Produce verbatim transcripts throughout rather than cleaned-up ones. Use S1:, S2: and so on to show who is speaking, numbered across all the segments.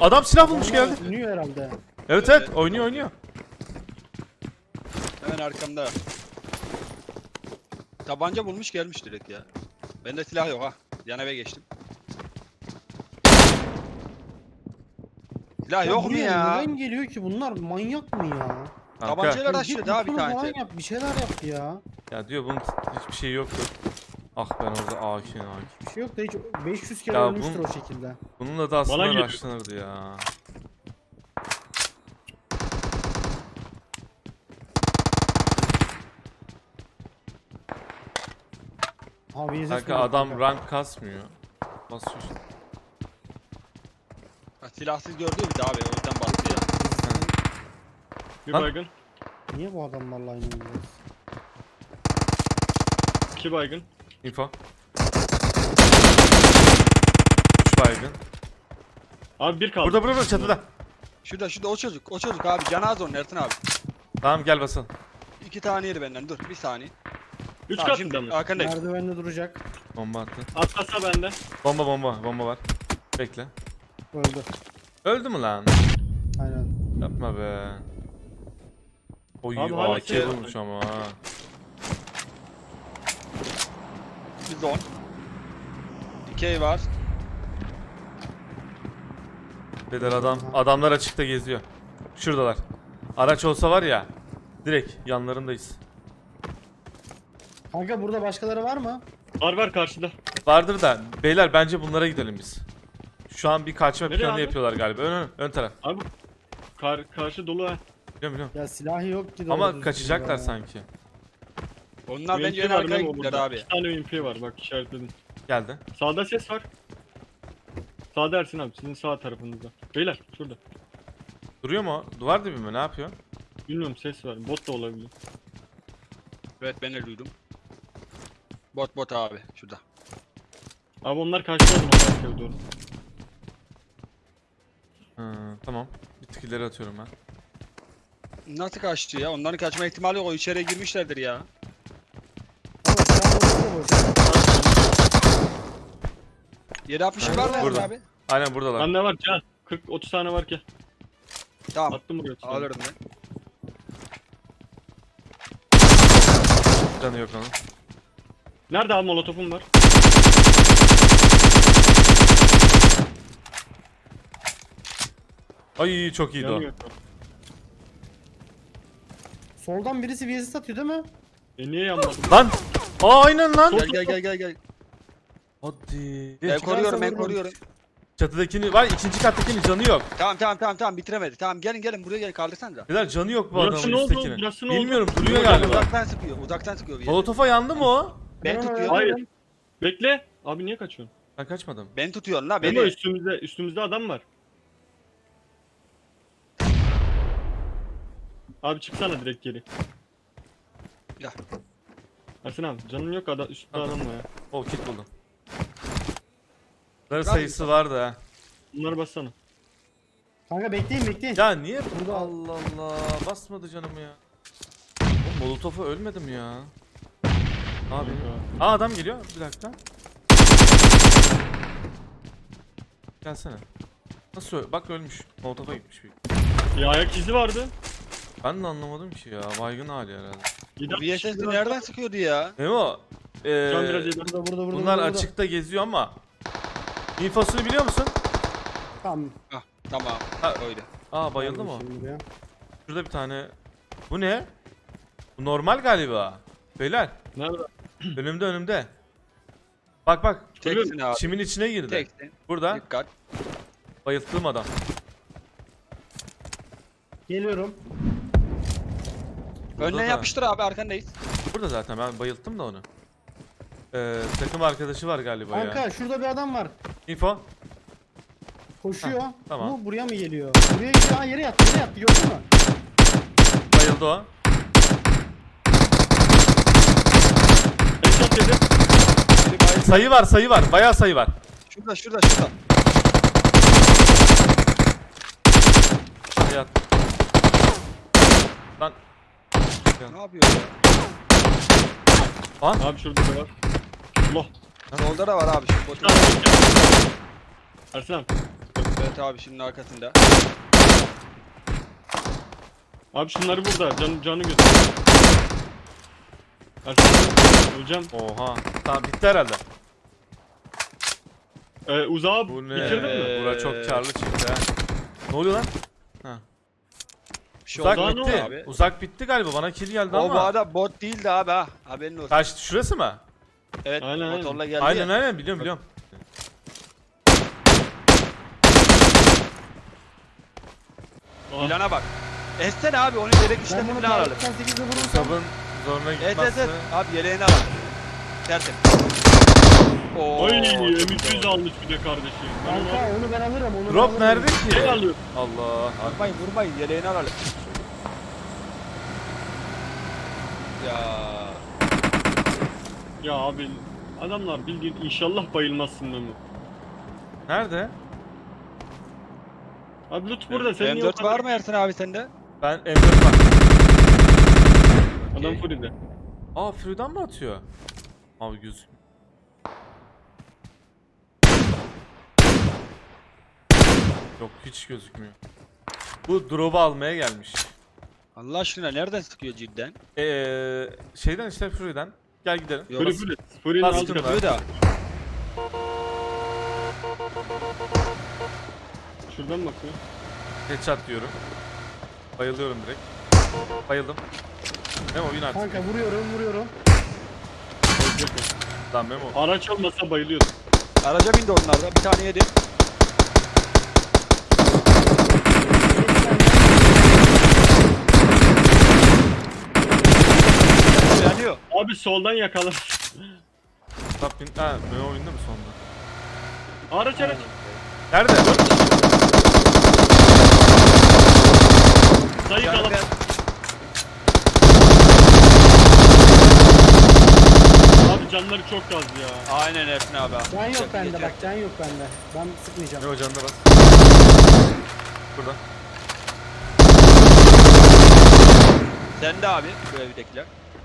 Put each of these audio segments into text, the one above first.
S1: Adam silah bulmuş geldi.
S2: Oynuyor herhalde.
S1: Evet evet oynuyor oynuyor.
S3: Hemen arkamda. Tabanca bulmuş gelmiş direkt ya. Bende silah yok ha. Yan eve geçtim. Silah yok mu
S2: buraya
S3: ya?
S2: Neden geliyor ki bunlar, manyak mı ya?
S1: Kanka,
S3: Tabancayla
S2: Git
S3: açtı ha bir
S2: lütfen falan
S3: tane.
S2: yap, bir şeyler yap ya.
S1: ya diyor bunun hiçbir şey yoktu. Ah ben orada A K'nin A K.
S2: Bir şey yok da hiç beş yüz kere
S1: Ya
S2: ölmüştür
S1: bu-
S2: o şekilde.
S1: Bununla da aslında
S4: Bana geliyor.
S1: araştırırdı ya.
S2: Abi V S S
S1: Kanka
S2: mi?
S1: adam rank kasmıyor. Basıyor işte.
S3: Ha, silahsız gördü bir de abi o yüzden bastı ya.
S4: Bir
S1: Lan.
S4: baygın.
S2: Niye bu adamlarla aynı oynuyoruz?
S4: iki baygın.
S1: Info. üç baygın.
S4: Abi bir kaldı.
S1: Burada burada burada çatıda.
S3: Şurada şurada o çocuk o çocuk abi canaz onun Ertin abi.
S1: Tamam gel basalım.
S3: İki tane yeri benden dur bir saniye.
S4: Üç
S3: Tamam,
S4: katında
S3: şimdi
S4: mı?
S3: arkandayım.
S2: Merdivende duracak.
S1: Bomba attı.
S4: Atlasa bende.
S1: Bomba bomba bomba var. Bekle.
S2: Öldü.
S1: Öldü mü lan?
S2: Aynen.
S1: Yapma be. Oy
S4: Abi hala
S1: A K
S4: şey-
S1: bulmuş ama ha.
S3: Bir zon. Dikey var.
S1: Beder adam adamlar açıkta geziyor. Şuradalar. Araç olsa var ya direkt yanlarındayız.
S2: Kanka burada başkaları var mı?
S4: Var var karşıda.
S1: Vardır da beyler bence bunlara gidelim biz. Şu an bir kaçma
S4: Nereye
S1: planı
S4: abi?
S1: yapıyorlar galiba. Ön ön, ön taraf.
S4: Abi kar karşı dolu ha.
S1: Biliyorum biliyorum.
S2: Ya silahı yok ki. doğru
S1: Ama
S2: düzgün
S1: kaçacaklar
S2: ya.
S1: sanki.
S3: Onlar
S4: U M
S3: bence
S4: P
S3: en
S4: var
S3: arkaya
S4: Memo
S3: gittiler
S4: burada.
S3: abi.
S4: İki tane U M P var bak işaretledim.
S1: Geldi.
S4: Sağda ses var. Sağda Ersin abi sizin sağ tarafınızda. Beyler şurada.
S1: Duruyor mu? o? Duvar dibi mi? Ne yapıyor?
S4: Bilmiyorum ses var. Bot da olabilir.
S3: Evet ben de duydum. Bot bot abi şurada.
S4: Abi onlar karşıda o zaman arkaya doğru.
S1: Hı, tamam. Bir tık ileri atıyorum ben.
S3: Nasıl kaçtı ya? Onların kaçma ihtimali yok. O içeriye girmişlerdir ya.
S2: Ama silahı yok da boş.
S3: yedi altmış
S1: Ha,
S3: var mı
S1: burada.
S3: abi?
S1: Aynen buradalar.
S4: Bende var can. kırk otuz tane var ki.
S3: Tamam.
S4: Attım buraya. otuz tane.
S3: Alırım ben.
S1: Canı yok onun.
S4: Nerede abi molotofum var?
S1: Ay çok iyiydi o.
S4: Yanıyor.
S2: Soldan birisi V S S atıyor değil mi?
S4: E niye yanmadı?
S1: Lan! Aa aynen lan.
S3: Gel gel gel gel gel.
S1: Hadi.
S3: Ben koruyorum ben
S2: vururum.
S3: koruyorum.
S1: Çatıdakini var, ikinci kattakinin canı yok.
S3: Tamam tamam tamam tamam bitiremedi. Tamam gelin gelin buraya gelin kaldırsanıza.
S1: Beyler canı yok bu
S4: Burası
S1: adamın
S4: ne oldu?
S1: üsttekinin.
S4: Burası ne oldu?
S1: Bilmiyorum duruyor
S4: Yok,
S1: galiba.
S3: Uzaktan sıkıyor uzaktan sıkıyor bir yere.
S1: Molotofa yandı mı o?
S3: Ben
S2: Ben ona
S3: tutuyorum.
S4: Hayır. Bekle. Abi niye kaçıyorsun?
S1: Ben kaçmadım.
S3: Ben tutuyorum la
S4: Memo
S3: beni.
S4: üstümüzde üstümüzde adam var. Abi çıksana direkt geri.
S3: Ya.
S4: Ersin abi canın yok adam üstte
S1: Tamam.
S4: adam var ya.
S1: O kit buldum. Bunların
S3: Ben-
S1: sayısı vardı ha.
S4: Bunları bassana.
S2: Kanka bekleyin bekleyin.
S1: Ya niye burada
S2: Burada-
S1: Allah Allah basmadı canımı ya. O molotofa ölmedim ya. Abi. Aa adam geliyor. Bir dakika. Gelsene. Nasıl öl- Bak ölmüş. Molotofa gitmiş bir.
S4: Bir ayak izi vardı.
S1: Ben de anlamadım ki ya. Baygın hali herhalde.
S4: Gider.
S3: V S S nereden sıkıyordu ya?
S1: Memo. Eee
S4: Can biraz yedi.
S2: Burada burada burada.
S1: bunlar
S2: burada.
S1: açıkta geziyor ama infosunu biliyor musun?
S2: Tamam.
S3: Hah tamam.
S1: Ha.
S3: Öyle.
S1: Aa bayıldı mı? o?
S2: Şimdi buraya.
S1: Şurada bir tane. Bu ne? Bu normal galiba. Beyler
S4: Nerede?
S1: önümde önümde. Bak bak.
S3: Teksin abi.
S1: Çimin içine girdi.
S3: Teksin.
S1: Burada
S3: Dikkat.
S1: bayılttığım adam.
S2: Geliyorum.
S1: Burada
S3: Önden
S1: da-
S3: yapıştır abi arkandayız.
S1: Burada zaten ben bayılttım da onu. Ee, takım arkadaşı var galiba ya.
S2: Kanka şurada bir adam var.
S1: Info.
S2: Koşuyor.
S1: Heh, tamam.
S2: Bu buraya mı geliyor? Buraya gidiyor. Ha yere yattı yere yattı gördün mü?
S1: Bayıldı o.
S4: Headshot yedi.
S3: Biri bayıldı.
S1: Sayı var sayı var. Bayağı sayı var.
S3: Şurada şurada şurada.
S1: Hadi yat. Lan.
S3: Ne yapıyor ya?
S4: Abi şurada da var. Allah.
S3: Solda da var abi şu boş.
S4: Ersin abi.
S3: Evet abi şunun arkasında.
S4: Abi şunları burada. Can, canı götür. Ersin öleceğim.
S1: Oha. Tamam bitti herhalde.
S4: Ee, uzağa
S1: Bu ne?
S4: bitirdin mi?
S1: Bura çok karlı çıktı ha. Ne oluyor lan? Ha.
S3: Bir şey
S1: Uzak
S3: oldu
S4: Uzağa ne
S1: bitti.
S3: abi.
S1: Uzak bitti galiba. Bana kill geldi
S3: O
S1: ama.
S3: bu arada bot değildi abi ha. Haberin olsun.
S1: Kaçtı şurası mı?
S3: Evet
S4: Aynen, aynen.
S3: motorla geldi
S1: Aynen
S3: ya.
S1: aynen biliyorum biliyorum.
S4: Aa,
S3: Plana bak. Essene abi onu yelek
S2: Ben
S3: işlemini
S2: bunu
S3: falan alalım.
S2: doksan sekizde vurursam.
S1: Sabın zoruna
S3: Evet evet
S1: gitmezse.
S3: evet. Abi yeleğini alalım. Tertemiz. Oo.
S4: Oy
S3: çok
S4: M iki
S3: güzel
S4: yüz
S3: oldu.
S4: almış bir de kardeşim. Ben onu
S2: Kanka onu ben alırım. Onu ben
S1: Drop
S2: alırım.
S1: nerede
S4: şey
S1: ki?
S4: alıyorum.
S1: Allah.
S3: Vurmayın vurmayın yeleğini alalım. Ya.
S4: Ya abi adamlar bildiğin inşallah bayılmazsın Memo.
S1: Nerede?
S4: Abi loot burada senin
S3: M
S4: niye o
S3: dört
S4: kadar-
S3: var mı Ersin abi sende?
S1: Ben M dört var.
S4: Adam
S3: Okey.
S4: Fury'de.
S1: Aa Free'den mi atıyor? Abi göz. Yok hiç gözükmüyor. Bu drop'u almaya gelmiş.
S3: Allah aşkına nereden sıkıyor cidden?
S1: Eee şeyden işte Free'den. Gel gidelim.
S3: Yok,
S4: Fury
S3: bas-
S4: Fury. Fury'nin
S1: Bas
S4: altı
S1: şunu.
S3: Sıkıyor da.
S4: Şuradan bakıyor.
S1: Headshot diyorum. Bayılıyorum direkt. Bayıldım. Memo win artık.
S2: Kanka vuruyorum vuruyorum.
S4: Ölecek o.
S1: Lan Memo.
S4: Araç olmasa bayılıyordu.
S3: Araca bindi onlar da. Bir tane yedi. Yanıyor.
S4: Abi soldan yakala.
S1: Tap win. Ha Memo windi mi sonunda?
S4: Araç araç.
S1: Nerede?
S4: Sayı
S3: Yani
S4: kalıp.
S3: ben-
S4: Abi canları çok az ya.
S3: Aynen Ersin abi.
S2: Can yok
S3: Çok
S2: bende
S3: geçer.
S2: bak can yok bende. Ben sıkmayacağım.
S1: Memo canına bas. Burada.
S3: Sen de abi bu evdekiler.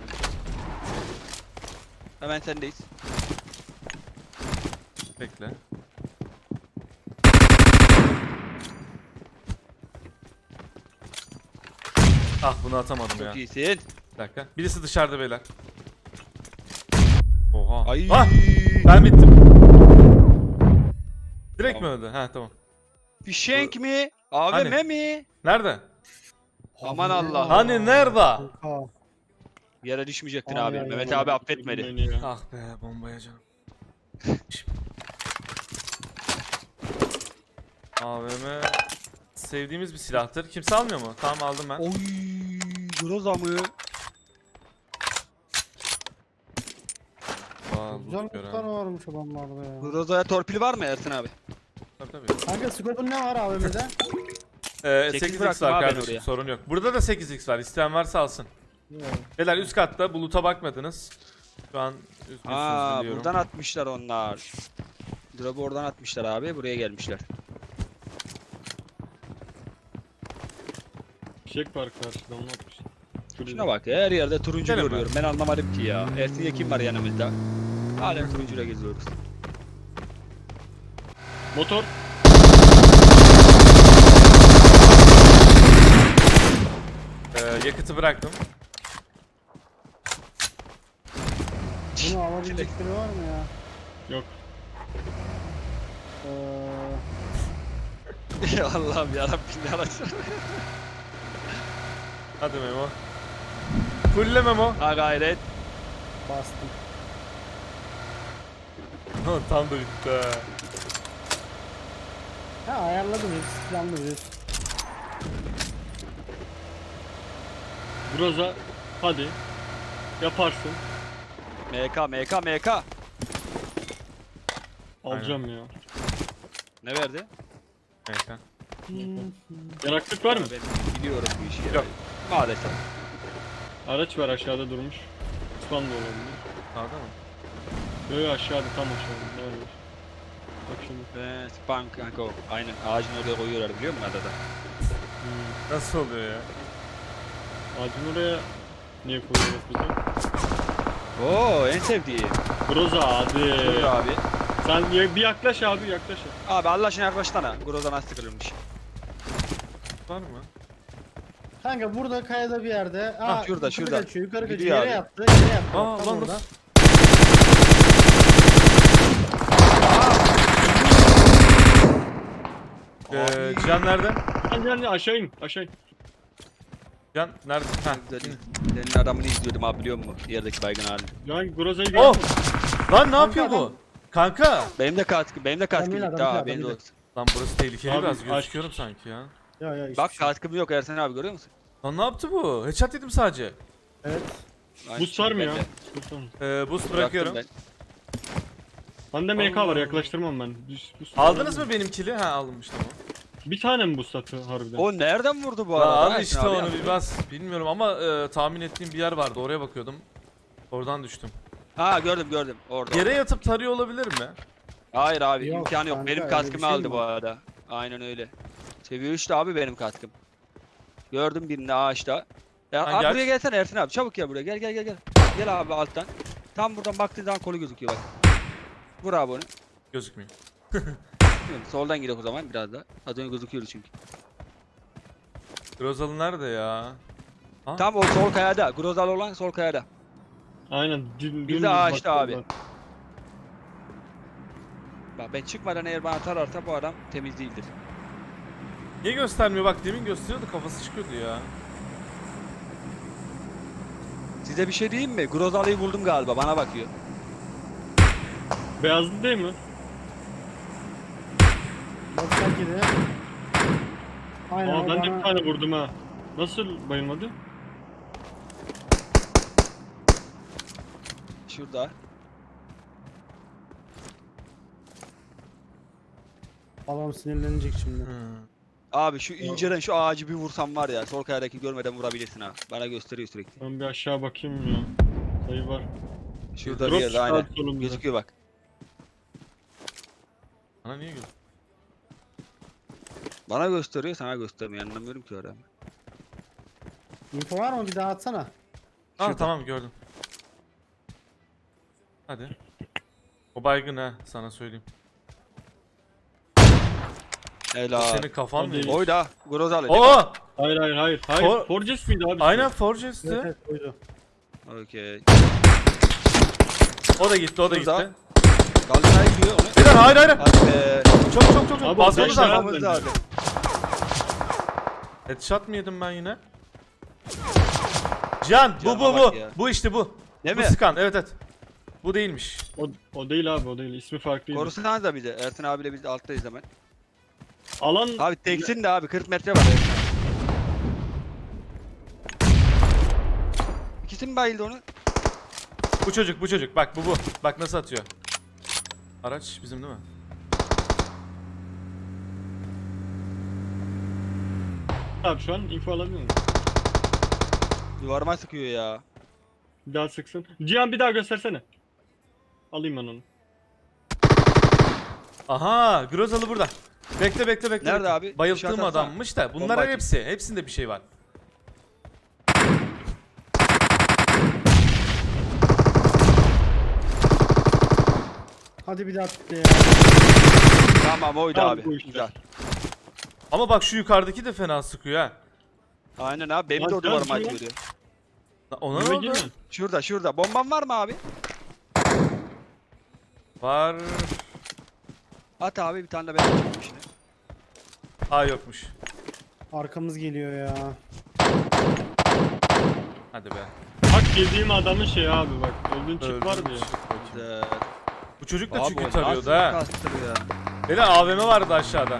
S3: Hemen sendeyiz.
S1: Bekle. Ah bunu atamadım ya.
S3: Çok iyisin.
S1: Bir dakika. Birisi dışarıda beyler. Oha.
S3: Ay.
S1: Ah! Ben bittim. Direkt mi
S3: Tamam.
S1: öldü? Ha tamam.
S3: Fişenk mi? A V M
S1: Hani?
S3: mi?
S1: Nerede?
S3: Aman Allah.
S1: Hani nerede?
S2: Aa,
S3: Yere düşmeyecektin
S2: Ay,
S3: abi.
S2: ay,
S3: Mehmet
S2: ay.
S3: abi affetmedi.
S4: Beni ya.
S1: Ah be bombaya canım. A V M sevdiğimiz bir silahtır. Kimse almıyor mu? Tamam aldım ben.
S3: Oy, Groza mı?
S1: Aa,
S2: Güzel
S1: loot gören.
S2: lootlar varmış adamlarda ya.
S3: Groza'ya torpil var mı Ersin abi?
S1: Tabii tabii.
S2: Kanka scope'un ne var A V M'de?
S1: Ee,
S3: sekiz
S1: sekiz x
S3: bıraktım
S1: var
S3: abi ben
S1: kardeşim
S3: oraya.
S1: sorun yok. Burada da sekiz x var. İsteyen varsa alsın. Beyler üst katta buluta bakmadınız. Şu an üzgünsünüz
S3: Aa,
S1: biliyorum.
S3: buradan atmışlar onlar. Drop'u oradan atmışlar abi. Buraya gelmişler.
S4: Fişek var karşıda onu atmış.
S3: Şuna bak ya, her yerde turuncu
S1: Gelin
S3: görüyorum. Ben anlamadım ki ya. Ersin'e kim var yanımızda? Halen turuncuyla geziyoruz.
S4: Motor.
S1: Ee, yakıtı bıraktım.
S2: Bunu alabilecek biri var mı ya?
S4: Yok.
S2: Ee,
S3: Ya Allah'ım yarabbim ne alacağım.
S1: Hadi Memo. Fulle Memo.
S3: Ha gayret.
S2: bastım.
S1: Tam da bitti ha.
S2: Ha ayarladım hepsi planlı bir.
S4: Groza. Hadi. Yaparsın.
S3: M K M K M K.
S4: Alacağım ya.
S3: Ne verdi?
S1: Neyse.
S4: Yaraklık var mı?
S3: Ben biliyorum bu işi. ya.
S1: Yok.
S3: Maalesef.
S4: Araç var aşağıda durmuş. Spam da olabilir.
S1: Sağda mı?
S4: Yok yok aşağıda tam aşağıda. Ne var? Bak şimdi.
S3: Ve spam kanka o. Aynen ağacın oraya koyuyorlar biliyor musun adada?
S4: Hmm.
S1: Nasıl oluyor ya?
S4: Ağacın oraya niye koyuyoruz bize?
S3: Oo en sevdiğim.
S4: Groza hadi.
S3: Buyur abi.
S4: Sen bir bir yaklaş abi yaklaş.
S3: Abi Allah aşkına yaklaşsana. Groza nasıl sıkılırmış.
S1: Var mı?
S2: Kanka burada kayada bir yerde. Aa,
S3: şurada,
S2: yukarı
S3: şurada.
S2: Kaçıyor, yukarı kaçıyor.
S3: Gidiyor
S2: Yere
S3: abi.
S2: yattı. Yere yattı.
S1: Aa
S2: Tam
S1: lan
S2: orada.
S1: nasıl? Ee, Can nerede?
S4: Gel gel gel, aşağı in aşağı in.
S1: Can nerede? Ha.
S3: Senin, senin adamını izliyordum abi biliyor musun? Yerdeki baygın hali.
S4: Lan Groza'yı
S1: Oh!
S4: gördün mü?
S1: Lan ne
S2: Kanka
S1: yapıyor bu?
S2: adam-
S1: Kanka!
S3: Benim de katkı, benim de katkı
S2: Adam
S3: gitti
S2: değil, adam
S3: abi.
S2: değil,
S3: Benim de
S2: adam
S3: olsun.
S1: Lan burası tehlikeli
S4: Abi,
S1: biraz
S4: aç.
S1: gözüküyorum sanki ya.
S2: Ya ya hiçbir
S3: Bak
S2: şey.
S3: katkım yok Ersen abi görüyor musun?
S1: Lan ne yaptı bu? Headshot yedim sadece.
S2: Evet.
S4: Boost var mı ya?
S3: Ben de.
S4: Boost var mı?
S1: Ee, boost
S3: Bıraktım
S1: bırakıyorum.
S3: ben.
S4: Bende M K var
S1: Allah.
S4: yaklaştırmam ben. Düz- boost
S1: Aldınız
S4: var.
S1: mı benim kili? Ha alınmış tamam.
S4: Bir tane mi boost attı harbiden?
S3: O nereden vurdu bu
S1: Ya
S3: arada?
S1: al
S3: Ersen
S1: işte
S3: abi
S1: onu
S3: ya?
S1: bir bas. Bilmiyorum ama e, tahmin ettiğim bir yer vardı. Oraya bakıyordum. Oradan düştüm.
S3: Ha gördüm gördüm orada.
S1: Yere yatıp tarıyor olabilir mi?
S3: Hayır abi
S2: Yok
S3: imkanı yok.
S2: kanka,
S3: Benim
S2: öyle
S3: katkımı
S2: bir şey
S3: aldı
S2: mi
S3: bu
S2: var?
S3: arada. Aynen öyle. Seviye üçte abi benim katkım. Gördüm birini ağaçta. Ya
S1: Ha,
S3: abi
S1: gel.
S3: buraya gelsene Ersin abi. Çabuk gel buraya. Gel gel gel gel. Gel abi alttan. Tam buradan baktığın zaman kolu gözüküyor bak. Vur abi onu.
S1: Gözükmüyor.
S3: Bilmiyorum, soldan gidelim o zaman biraz da. Az önce gözüküyordu çünkü.
S1: Grozalı nerede ya? Ha?
S3: Tam o sol kayada. Grozal olan sol kayada.
S4: Aynen. Dün,
S3: Bir de
S4: dümdüz
S3: ağaçta
S4: baktım
S3: abi.
S4: ben.
S3: Bak ben çıkmadan eğer bana tararsa bu adam temiz değildir.
S1: Niye göstermiyor? Bak demin gösteriyordu kafası çıkıyordu ya.
S3: Size bir şey diyeyim mi? Grozalı'yı buldum galiba. Bana bakıyor.
S4: Beyazlı değil mi?
S2: Bak sanki de. Aynen
S4: Aa
S2: o
S4: ben de
S2: bana-
S4: bir tane vurdum ha. Nasıl bayılmadı?
S3: Şurada.
S2: Adam sinirlenecek şimdi.
S1: Hı.
S3: Abi şu inceden şu ağacı bir vursam var ya. Sol kayadaki görmeden vurabilirsin ha. Bana gösteriyor sürekli.
S4: Ben bir aşağı bakayım ya. Sayı var.
S3: Şurada bir
S4: Drop
S3: yerde
S4: çıktı
S3: aynen.
S4: abi solumda.
S3: Gözüküyor bak.
S1: Bana niye gösteriyor?
S3: Bana gösteriyor sana göstermiyor. Anlamıyorum ki orada.
S2: Info var mı? Bir daha atsana.
S1: Ha
S3: Şurada.
S1: tamam gördüm. Hadi. O baygın ha sana söyleyeyim.
S3: Helal.
S1: Senin kafan
S4: O
S1: mı?
S4: değil.
S3: Oyda. Grozalı.
S1: Oo!
S4: Hayır hayır hayır. Hayır.
S1: For-
S4: Forges miydi abi?
S1: Aynen Forges'ti.
S2: Evet evet oydu.
S3: Okey.
S1: O da gitti, o da
S3: Şurada.
S1: gitti.
S3: Galatasaray gidiyor onu.
S1: Bir dakika, hayır hayır.
S3: Hadi be.
S1: Çok çok çok çok.
S4: Abi,
S1: Basmamız
S4: beş lira-
S1: lazım.
S3: Yapmamız lazım.
S1: Headshot mı yedim ben yine? Can, bu
S3: Can'a
S1: bu
S3: bak
S1: bu.
S3: ya.
S1: Bu işte bu.
S3: Değil
S1: Bu
S3: mi?
S1: Skan, evet evet. Bu değilmiş.
S4: O, o değil abi o değil. İsmi farklıydı.
S3: Korusanız da bize. Ersin abiyle biz de alttayız hemen.
S4: Alan
S3: Abi teksin de abi kırk metre var Ersin abi. İkisi mi bayıldı onu?
S1: Bu çocuk, bu çocuk. Bak bu bu. Bak nasıl atıyor. Araç bizim değil mi?
S4: abi şu an info alabiliyor musun?
S3: Duvarıma sıkıyor ya.
S4: Bir daha sıksın. Cihan bir daha göstersene. Alayım ben onu.
S1: Aha, Grozalı burada. Bekle bekle bekle.
S3: Nerede
S1: bekle.
S3: abi?
S1: Bayılttığım
S3: İşaret atsana.
S1: adammış da.
S3: Bomba
S1: Bunların
S3: atayım.
S1: hepsi. Hepsinde bir şey var.
S2: Hadi bir daha at ya.
S3: Tamam oydu
S4: Tamam,
S3: abi.
S4: bu işte.
S3: Güzel.
S1: Ama bak şu yukarıdaki de fena sıkıyor ha.
S3: Aynen abi benim
S4: Lan
S3: de o
S4: sen
S3: duvarıma
S4: şuraya-
S3: atıyor.
S1: Lan ona ne
S4: Yürü
S1: oldu?
S4: girme.
S3: Şurada şurada. Bomban var mı abi?
S1: Var.
S3: At abi bir tane de ben atayım şimdi.
S1: Aa yokmuş.
S2: Arkamız geliyor ya.
S1: Hadi be.
S4: Bak yediğim adamın şey abi bak. Öldüğün
S1: Öldüm.
S4: çip var mı ya?
S1: Çık bakayım.
S3: Güzel.
S1: Bu çocuk da
S3: Abi
S1: çünkü
S3: o
S1: tarıyordu
S3: nasıl
S1: ha.
S3: kastırıyor?
S1: Böyle A V M vardı aşağıda.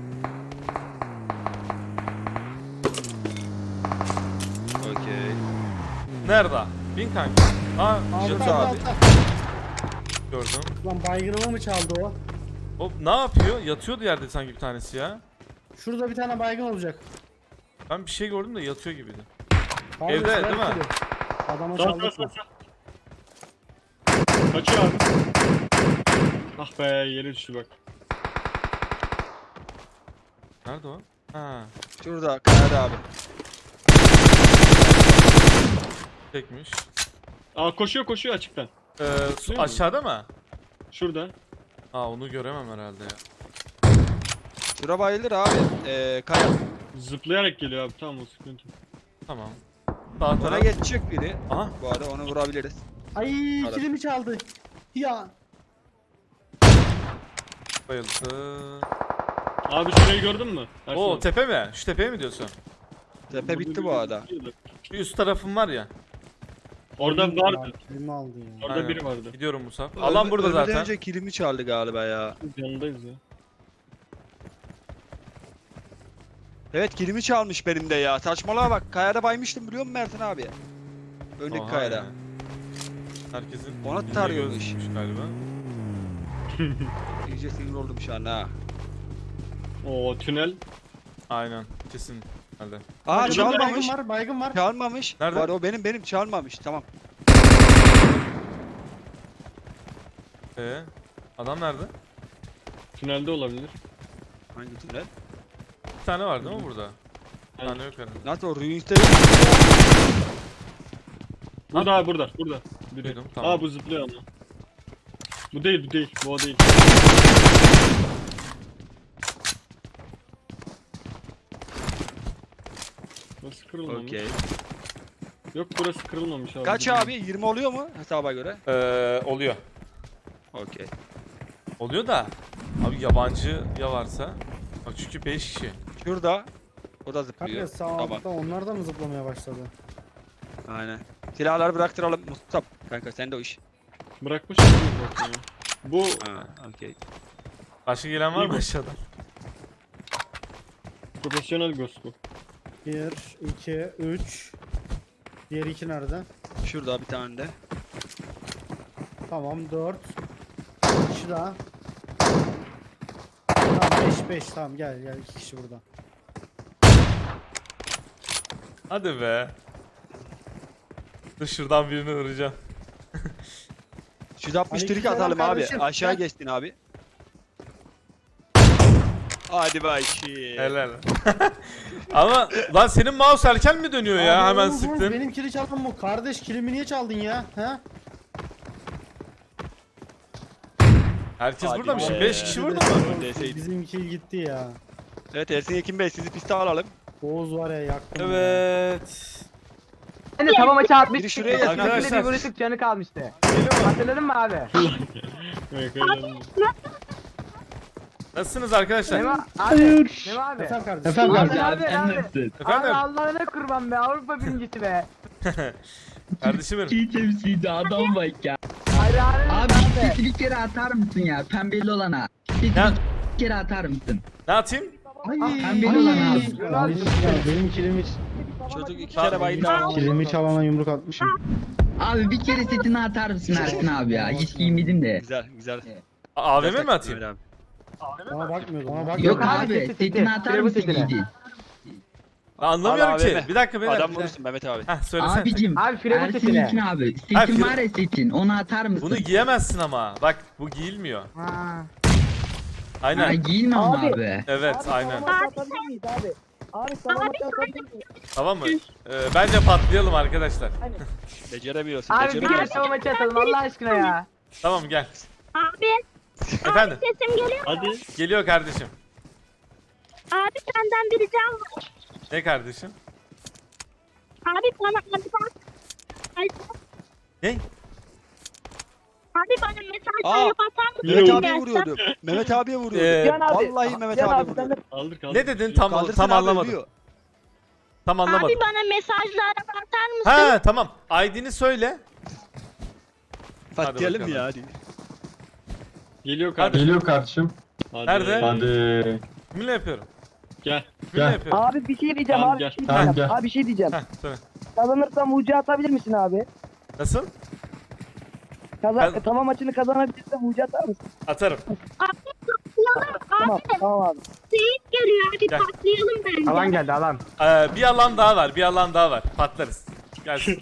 S3: Okey.
S1: Nerede? Bin kanka. Aa
S2: Altta
S1: Jet
S2: altta
S1: abi.
S2: altta.
S1: Gördüm.
S2: Lan baygınımı mı çaldı o?
S1: O ne yapıyor? Yatıyordu yerde sanki bir tanesi ya.
S2: Şurada bir tane baygın olacak.
S1: Ben bir şey gördüm de yatıyor gibiydi.
S2: Pardon,
S1: Evde,
S2: silah
S1: değil mi?
S2: kili. Adama
S4: Sağ sağ
S2: çaldık
S4: sağ
S2: mı?
S4: sağ. Kaçıyor abi. Ah be yere düştü bak.
S1: Nerede o? Ha,
S3: Şurada kayada abi.
S1: çekmiş.
S4: Aa koşuyor koşuyor açıktan.
S1: Ee, su
S4: Değil mi?
S1: aşağıda mı?
S4: Şurada.
S1: Aa onu göremem herhalde ya.
S3: Şura bayılır abi. Ee, kaya.
S4: Zıplayarak geliyor abi, tamam o sıkıntı.
S1: Tamam. Sağ
S3: Ona
S1: taraf.
S3: geçecek biri.
S1: Aha.
S3: Bu arada onu vurabiliriz.
S2: Ay
S3: Arada.
S2: kilimi çaldı. Ya.
S1: Bayıldı.
S4: Abi şurayı gördün mü? Ersin
S1: Oo
S4: abi.
S1: tepe mi? Şu tepeye mi diyorsun?
S3: Tepe bitti bu
S4: Burada
S3: arada.
S4: biri var.
S1: Şu üst tarafım var ya.
S4: Orada vardı.
S2: Ya, kilimi aldı ya.
S4: Orada
S1: Aynen.
S4: biri vardı.
S1: Gidiyorum Musab. Alan
S3: Ölme-
S1: burada
S3: ölmeden
S1: zaten.
S3: önce kilimi çaldı galiba ya.
S4: Biz yanındayız ya.
S3: Evet kilimi çalmış benim de ya. Saçmalığa bak. Kayada baymıştım biliyor musun Mertin abi? Öndeki
S1: Oha
S3: kayada.
S1: ya. Herkesin
S3: Ona
S1: bildiği
S3: tarıyormuş.
S1: gözmüş galiba.
S3: İyice sinir oldum şu an ha.
S4: Oo tünel.
S1: Aynen. Kesin. Hadi.
S3: Aa
S2: Baygın
S3: çalmamış.
S2: var, baygın var.
S3: Çalmamış.
S1: Nerede?
S3: Var o benim benim çalmamış. Tamam.
S1: Ee, adam nerede?
S4: Tünelde olabilir.
S3: Hangi tünel?
S1: Bir tane var değil mi burada? Bir
S4: Evet.
S1: tane yok herhalde.
S3: Nasıl o Ruins'te
S4: Burada abi, burada. Burada. Biri.
S1: Duydum, tamam.
S4: Aa bu zıplıyor ama. Bu değil, bu değil. Bu o değil. Burası kırılmamış.
S3: Okey.
S4: Yok burası kırılmamış abi.
S3: Kaç abi? yirmi oluyor mu hesaba göre?
S1: Ee, oluyor.
S3: Okey.
S1: Oluyor da. Abi yabancı ya varsa. Bak çünkü beş kişi.
S3: Şurada. O da
S2: Kanka
S3: zıplıyor.
S2: sağ
S3: Tamam.
S2: altta onlar da mı zıplamaya başladı?
S3: Aynen. Silahları bıraktıralım Mustafa. Kanka sen de o iş.
S4: Bırakmış mısınız zaten ya? Bu
S3: Ha, okey.
S1: Başka gelen var
S4: İyi
S1: mı
S4: bu.
S1: aşağıdan?
S4: profesyonel ghost bu.
S2: bir, iki, üç. Diğer iki nerede?
S3: Şurada bir tane de.
S2: Tamam dört. Bir kişi daha. Tamam beş beş tamam gel gel iki kişi burada.
S1: Hadi be. Dur şuradan birini vuracağım.
S3: yüz altmış trik
S2: Aleykümselam
S3: atalım abi.
S2: kardeşim.
S3: Aşağı
S2: Gel.
S3: geçtin abi. Hadi bakayım.
S1: Helal. Ama lan senin mouse erken mi dönüyor ya?
S2: Abi,
S1: Hemen
S2: oğlum,
S1: sıktın.
S2: Benim kili çaldın mı? Kardeş kilimi niye çaldın ya? He?
S1: Herkes
S3: Hadi
S1: burada mı?
S3: be.
S1: Şimdi beş kişi burada mı?
S3: Deseydin.
S2: Bizim kill gitti ya.
S3: Evet Ersin Yekin Bey sizi piste alalım.
S2: Oğuz var ya yaktım. ya.
S1: Evet.
S5: Hani tamam maçı atmış.
S3: Biri şuraya gelsin
S1: arkadaşlar.
S5: Arkadaşlar. Bir vuruşluk canı kalmıştı. Hatırladın mı abi?
S4: Evet, öyle.
S1: Nasılsınız arkadaşlar?
S5: Memo abi. Memo abi.
S2: Efendim kardeşim.
S5: Efendim
S2: Abi,
S5: abi. Abi, abi.
S1: Efendim?
S5: Abi Allah'ına kurban be Avrupa birincisi be.
S1: Kardeşim benim.
S6: İyi temsilci adam bak ya.
S5: Hayranım
S6: Abi
S5: abi.
S6: sesi bir kere atar mısın ya pembeli olana? Sesi
S1: Ya-
S6: bir kere atar mısın?
S1: Ne atayım?
S2: Ay,
S6: Pembeli olan abi.
S2: Ay, ya, benim kilimi,
S3: Çocuk iki
S1: Tamam.
S3: kere bayıldı.
S2: kilimi çalana yumruk atmışım.
S6: Abi bir kere setini atar mısın Ersin abi ya? Hiç giymedim de.
S3: Güzel güzel.
S1: A- A V M mi atayım?
S3: Öyle abi.
S2: Bana bakmıyordum. Bana bakmıyordum.
S6: Yok
S5: abi,
S6: abi
S5: seti, seti.
S6: setini atar
S5: Şuraya bu
S6: mısın
S5: setine.
S6: giydin?
S1: Ben anlamıyorum
S3: Al
S1: ki.
S3: A V M.
S1: Bir dakika beyler.
S3: Adam
S1: bir dakika.
S3: vurursun Mehmet abi.
S1: Heh söylesene.
S6: Abicim
S5: Abi Firavun
S6: Ersin
S5: setine.
S6: Yekin abi.
S1: Ha,
S6: Setin
S1: Fir-
S6: var ya setin onu atar mısın?
S1: Bunu giyemezsin ama. Bak bu giyilmiyor.
S5: Ha.
S6: Ha,
S1: Aynen.
S6: giyinme ama abi.
S1: Evet aynen.
S5: Abi. Abi sana maçı atabilir miyim?
S1: Tamam mı? Ee, bence patlayalım arkadaşlar.
S3: Beceremiyorsun.
S5: Abi bir kere
S3: beceremiyorsun.
S5: tamam maçı atalım Allah aşkına ya.
S1: Tamam gel.
S7: Abi
S1: Efendim.
S7: sesim geliyor mu?
S4: Hadi.
S1: Geliyor kardeşim.
S7: Abi senden bir ricam var.
S1: Ne kardeşim?
S7: Abi bana abi bak. Ay,
S1: Ne?
S7: Abi bana mesajlar
S3: Aa,
S7: atar mısın?
S3: Mehmet
S4: Yine
S3: abiye
S7: Gelsem.
S3: vuruyordu. Mehmet abiye vuruyordu.
S1: Ee,
S5: Can abi.
S3: Vallahi Mehmet
S5: Can
S3: abi
S5: abi sen de
S3: vuruyordu.
S4: Kaldır kaldır.
S1: Ne dedin tam
S3: Kaldırsın
S1: tam
S3: abi,
S1: anlamadım.
S3: ölüyor.
S1: Tam anlamadım.
S7: Abi bana mesajlar atar mısın?
S1: Ha tamam. I D'ni söyle.
S3: Patlayalım
S1: bakalım.
S3: ya hadi.
S4: Geliyor kardeşim.
S8: Geliyor kardeşim.
S4: Hadi.
S1: Nerede?
S8: Hadi.
S1: Kiminle yapıyorum?
S4: Gel.
S1: Kiminle
S8: Gel.
S1: yapıyorum?
S5: Abi bir şey diyeceğim
S4: Tamam,
S5: abi.
S4: gel.
S5: Bir şey
S8: Tamam,
S5: diyeceğim.
S8: gel.
S5: Abi bir şey diyeceğim.
S1: Heh söyle.
S5: Kazanırsam ucu atabilir misin abi?
S1: Nasıl?
S5: Kazan
S1: Ben-
S5: tamam maçını kazanabilirsem ucu atar mısın?
S1: Atarım.
S7: Abi patlayalım.
S5: Tamam
S7: Abi
S5: tamam abi.
S7: seyit geliyor. Hadi
S1: Gel.
S7: patlayalım bence.
S5: Alan geldi alan.
S1: Ee, bir alan daha var. Bir alan daha var. Patlarız. Gelsin.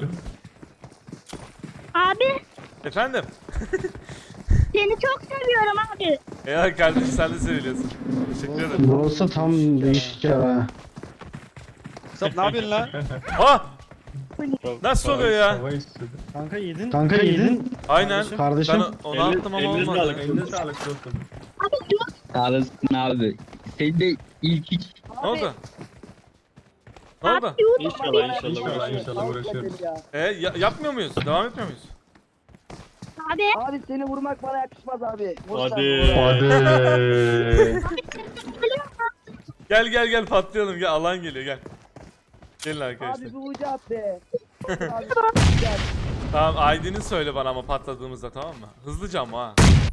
S7: Abi
S1: Efendim?
S7: seni çok seviyorum abi.
S1: Ya kardeşim sen de seviliyorsun. Teşekkür ederim.
S2: Burası tam değişik ya.
S3: Sap ne yapıyorsun lan?
S1: Ah! Nasıl oluyor ya?
S2: Kanka yedin. Kanka yedin.
S1: Aynen.
S2: Kardeşim.
S1: Ben onu attım ama
S4: Elinize
S1: olmadı.
S4: sağlık. Elinize sağlık dostum.
S6: Sağ olasın abi. Sen de ilk hiç
S1: Ne oldu? Ne oldu?
S4: İnşallah inşallah. İnşallah uğraşıyoruz.
S1: E ya- yapmıyor muyuz? Devam etmiyor muyuz?
S7: Abi.
S5: Abi seni vurmak bana yakışmaz abi. Vursan
S4: Hadi.
S5: vur.
S1: Gel gel gel patlayalım gel alan geliyor gel. Gelin
S5: Abi
S1: arkadaşlar.
S5: bir ucu at be. Abi,
S1: Tamam I D'ni söyle bana ama patladığımızda tamam mı? Hızlıca ama ha.